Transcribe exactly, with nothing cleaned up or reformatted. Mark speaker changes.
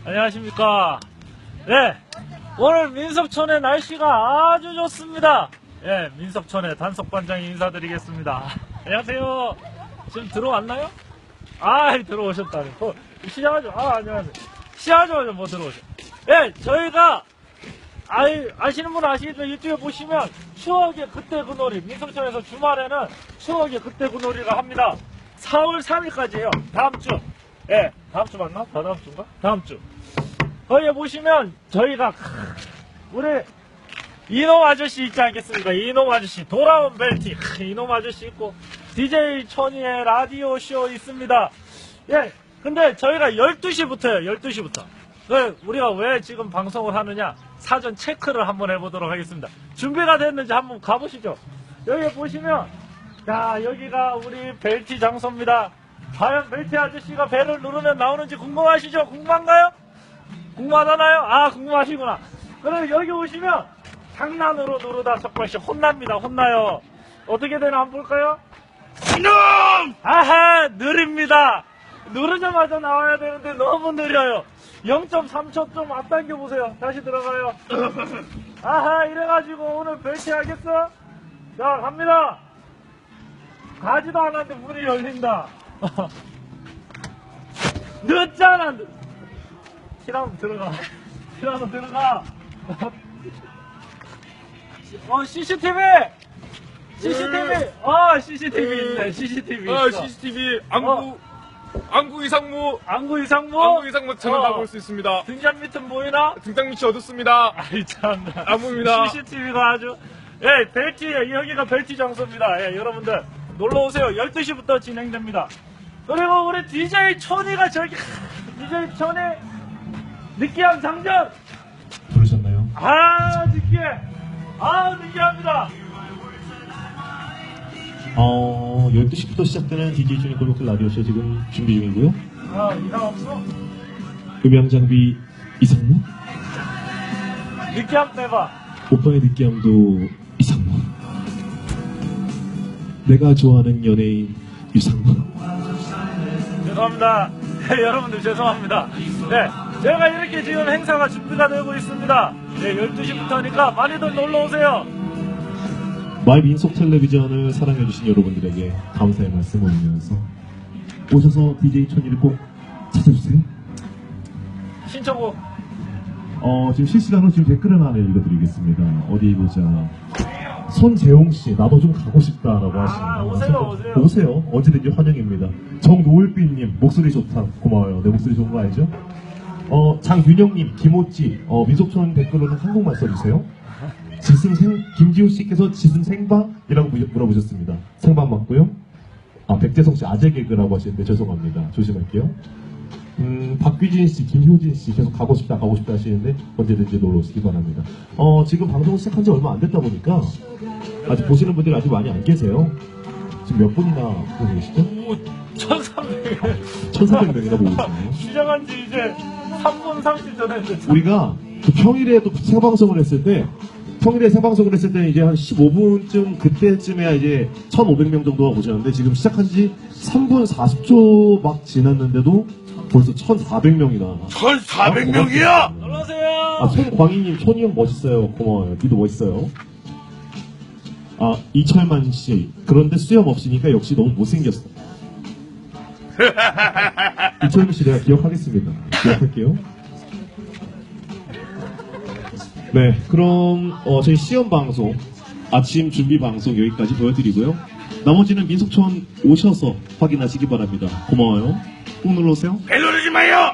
Speaker 1: 안녕하십니까. 네, 오늘 민석촌의 날씨가 아주 좋습니다. 예, 민석촌의 단속반장이 인사드리겠습니다. 안녕하세요. 지금 들어왔나요? 아, 들어오셨다니. 어, 시작하죠. 아, 안녕하세요. 시작하자마자 뭐 들어오죠. 예, 저희가 아이, 아시는 분 아시겠지만 유튜브에 보시면 추억의 그때 그 놀이, 민석촌에서 주말에는 추억의 그때 그 놀이를 합니다. 사월 삼일까지예요. 다음 주. 예, 다음 주 맞나? 다 다음 주인가? 다음 주. 거기에 보시면 저희가 우리 이놈 아저씨 있지 않겠습니까? 이놈 아저씨 돌아온 벨티 이놈 아저씨 있고 디제이 천이의 라디오 쇼 있습니다. 예, 근데 저희가 열두 시부터요. 열두 시부터. 우리가 왜 지금 방송을 하느냐? 사전 체크를 한번 해보도록 하겠습니다. 준비가 됐는지 한번 가보시죠. 여기 보시면 자, 여기가 우리 벨티 장소입니다. 과연 벨티 아저씨가 배를 누르면 나오는지 궁금하시죠? 궁금한가요? 궁금하잖아요? 아, 궁금하시구나. 그럼 여기 오시면 장난으로 누르다 석발씨 혼납니다. 혼나요. 어떻게 되나 한번 볼까요? 이놈! 아하, 느립니다. 누르자마자 나와야 되는데 너무 느려요. 영 점 삼 초 좀 앞당겨 보세요. 다시 들어가요. 아하, 이래가지고 오늘 벨티 하겠어? 자, 갑니다. 가지도 않았는데 문이 열린다. 늦잖아. 실한번 들어가. 실한번 들어가. 어, 씨씨티비! 씨씨티비! 어, 씨씨티비 있네. 씨씨티비
Speaker 2: 아,
Speaker 1: 있어.
Speaker 2: 씨씨티비 안구
Speaker 1: 어.
Speaker 2: 안구 이상무
Speaker 1: 안구 이상무?
Speaker 2: 안구 이상무 채널
Speaker 1: 어.
Speaker 2: 가볼 수 있습니다.
Speaker 1: 등잔 밑은 보이나?
Speaker 2: 등장 밑이 어둡습니다.
Speaker 1: 아이, 참나.
Speaker 2: 안무입니다.
Speaker 1: 씨씨티비가 아주. 예, 벨티, 여기가 벨티 장소입니다. 예, 여러분들. 놀러오세요. 열두 시부터 진행됩니다. 그리고 우리 디제이 천이가 저기, 디제이 천이 느끼한 장전!
Speaker 3: 부르셨나요?
Speaker 1: 아, 느끼해! 아, 느끼합니다!
Speaker 3: 어, 열두 시부터 시작되는 디제이 천이 골목길 라디오쇼 지금 준비 중이고요.
Speaker 1: 아, 이상 없어?
Speaker 3: 음향 장비 이상무,
Speaker 1: 느끼함 빼봐.
Speaker 3: 오빠의 느끼함도 이상무, 내가 좋아하는 연예인 유상무.
Speaker 1: 죄송합니다. 네, 여러분들 죄송합니다. 네, 제가 이렇게 지금 행사가 준비가 되고 있습니다. 네, 열두 시부터니까 많이들 놀러오세요.
Speaker 3: 마이 민속 텔레비전을 사랑해주신 여러분들에게 감사의 말씀 올리면서 오셔서 디제이 천이를 꼭 찾아주세요.
Speaker 1: 신청곡.
Speaker 3: 어, 지금 실시간으로 지금 댓글을 하나 읽어드리겠습니다. 어디 보자. 손재홍씨, 나도 좀 가고 싶다라고 하시네요.
Speaker 1: 아, 오세요, 오세요.
Speaker 3: 오세요. 언제든지 환영입니다. 정노을비님, 목소리 좋다. 고마워요. 내 목소리 좋은 거 알죠? 어, 장윤영님, 김호찌, 어, 민속촌 댓글로는 한국말 써주세요. 지승 생, 김지우씨께서 지승 생방이라고 물어보셨습니다. 생방 맞고요. 아, 백재성씨 아재 개그라고 하시는데 죄송합니다. 조심할게요. 음, 박규진씨, 김효진씨 계속 가고 싶다 가고 싶다 하시는데 언제든지 놀러 오시기 바랍니다. 어, 지금 방송 시작한 지 얼마 안 됐다 보니까 아직 보시는 분들이 아직 많이 안 계세요. 지금 몇 분이나 보고 계시죠?
Speaker 1: 오, 천삼백 명.
Speaker 3: 천사백 명이나 보고 있어요.
Speaker 1: 시작한 지 이제 삼 분 삼십 전 했는데.
Speaker 3: 우리가 그 평일에도 생방송을 했을 때 평일에 생방송을 했을 때는 이제 한 십오 분쯤 그때쯤에야 이제 천오백 명 정도가 보셨는데 지금 시작한 지 삼 분 사십 초 막 지났는데도 벌써 천사백 명이나.
Speaker 2: 천사백 명이야!
Speaker 1: 놀러오세요.
Speaker 3: 아, 손광희님, 손이 형 멋있어요. 고마워요. 니도 멋있어요. 아, 이철만 씨. 그런데 수염 없으니까 역시 너무 못생겼어. 이철만 씨 내가 기억하겠습니다. 기억할게요. 네, 그럼 어, 저희 시험 방송, 아침 준비 방송 여기까지 보여드리고요. 나머지는 민속촌 오셔서 확인하시기 바랍니다. 고마워요. 꼭 눌러오세요.
Speaker 2: 벨 누르지 마요!